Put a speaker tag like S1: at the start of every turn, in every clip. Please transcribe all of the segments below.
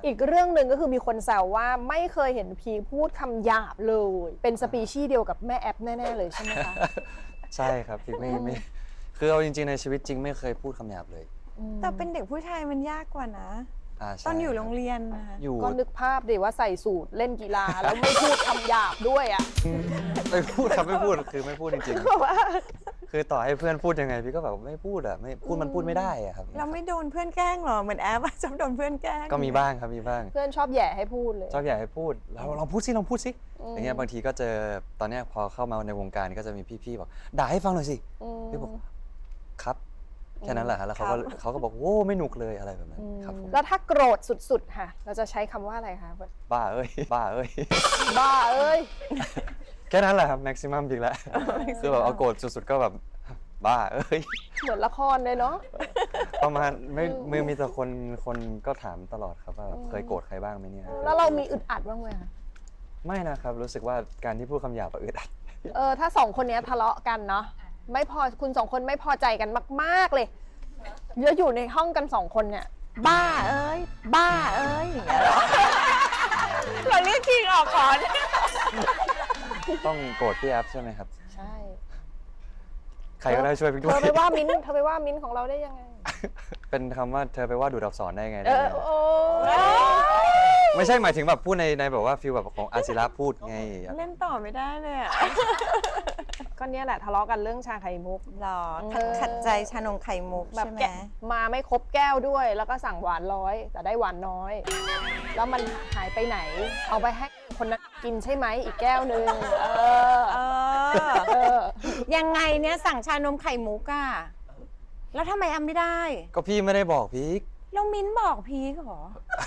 S1: อีกเรื่องหนึ่งก็คือมีคนแซวว่าไม่เคยเห็นพีพูดคำหยาบเลย เป็นสปีชีส์เดียวกับแม่แอปแน่ๆเลยใช่ไหมคะ
S2: ใช่ครับพี่ไม่คือเอาจริงๆในชีวิตจริงไม่เคยพูดคำหยาบเลย
S3: แต่เป็นเด็กผู้ชายมันยากกว่านะ
S2: ใช่
S3: ตอนอยู่โรงเรียนนะ
S2: อยู่
S1: ก็นึกภาพดิว่าใส่สูทเล่นกีฬาแล้วไม่พูดคำหยาบด้วยอ่ะ
S2: ไม่พูดครับไม่พูดคือไม่พูดจริงๆคือต่อให้เพื่อนพูดยังไงพี่ก็แบบไม่พูดอ่ะไม่พูดมันพูดไม่ได้อ่ะครับ
S3: เราไม่โดนเพื่อนแกล้งหรอเหมือนแอปชอบโดนเพื่อนแกล้ง
S2: ก็มีบ้างครับมีบ้าง
S1: เพื่อนชอบแหย่ให้พูดเลย
S2: ชอบอยากให้พูดเราลองพูดสิลองพูดสิอย่างเงี้ยบางทีก็เจอตอนเนี้ยพอเข้ามาในวงการก็จะมีพี่ๆบอกด่าให้ฟังหน่อยสิพี่บอกครับแค่นั้นแหละฮะแล้วเขาก็บอกโอ้ไม่หนุกเลยอะไรแบบนั้นครับผม
S1: แล้วถ้าโกรธสุดๆค่ะเราจะใช้คำว่าอะไรคะ
S2: บ้าเอ้ยบ้าเอ้ย
S1: บ้าเอ้ย
S2: แค่นั้นแหละครับแม็กซิมัมจริงแล้วคือแบบเอาโกรธสุดๆก็แบบบ้าเอ้ย
S1: เหมือนละครเลยเนาะ
S2: ประมาณไม่มีแต่คนก็ถามตลอดครับว่าแบบเคยโกรธใครบ้างไหมเนี่ย
S1: แล้วเรามีอึดอัดบ้างไหมคะ
S2: ไม่นะครับรู้สึกว่าการที่พูดคำหยาบอึดอัด
S1: ถ้าสองคนเนี้ยทะเลาะกันเนาะไม่พอคุณสองคนไม่พอใจกันมากๆเลยแล้วอยู่ในห้องกันสองคนเนี่ยบ้าเอ้ยบ้าเอ้ยอย่างเงี้ยเหรอ
S3: เราเรียกคิงออกก่อน
S2: ต้องโกรธพี่แอฟใช่ไหมครับ
S1: ใช่
S2: ใครก็ได้ช่วยพี่ด้
S1: เธ
S2: ว
S1: อย ไปว่ามิ้นท์ของเราได้ยังไง
S2: เป็นคำว่าเธอไปว่าดูดอักษรได้ไง
S1: โอ้
S2: ไม่ใช่หมายถึงแบบพูดในแบบว่าฟีลแบบของอาศิระพูดไง
S3: เล่นต่อไม่ได้เลยอ่ะ
S1: ก็เนี้ยแหละทะเลาะกันเรื่องชาไข่มุก
S3: หรอ
S1: เออ
S3: ขัดใจชานมไข่มุก
S1: แบบ
S3: ใช่ไหม
S1: แกะมาไม่ครบแก้วด้วย แล้วก็สั่งหวาน100แต่ได้หวานน้อย แล้วมันหายไปไหน เอาไปให้คนนั้นกินใช่ไหมอีกแก้วนึง
S3: เออ
S1: อ
S3: ยังไงเนี่ยสั่งชานมไข่มุกอะแล้วทำไมอำไม่ได้
S2: ก็พี่ไม่ได้บอกพีค
S3: แล้วมิ้นบอกพีกเหรอ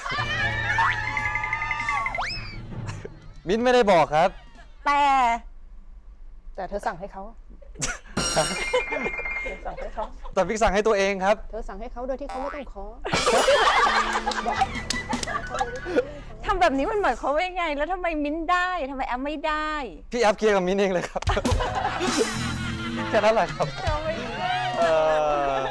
S2: มิ้นไม่ได้บอกครับ
S3: แต่
S1: แต่เธอสั่งให้เขาเธอสั่งให้เขา
S2: แต่พี่สั่งให้ตัวเองครับ
S1: เธอสั่งให้เขาโดยที่เขาไม่ต้องขอ
S3: ทำแบบนี้มันหมายความว่ายังไง แล้วทำไมมิ้นได้ทำไมแอมไม่ได้
S2: พี่แอฟเคลียร์กับมิ้นเองเลยครับ แค่นั้นแหละครับ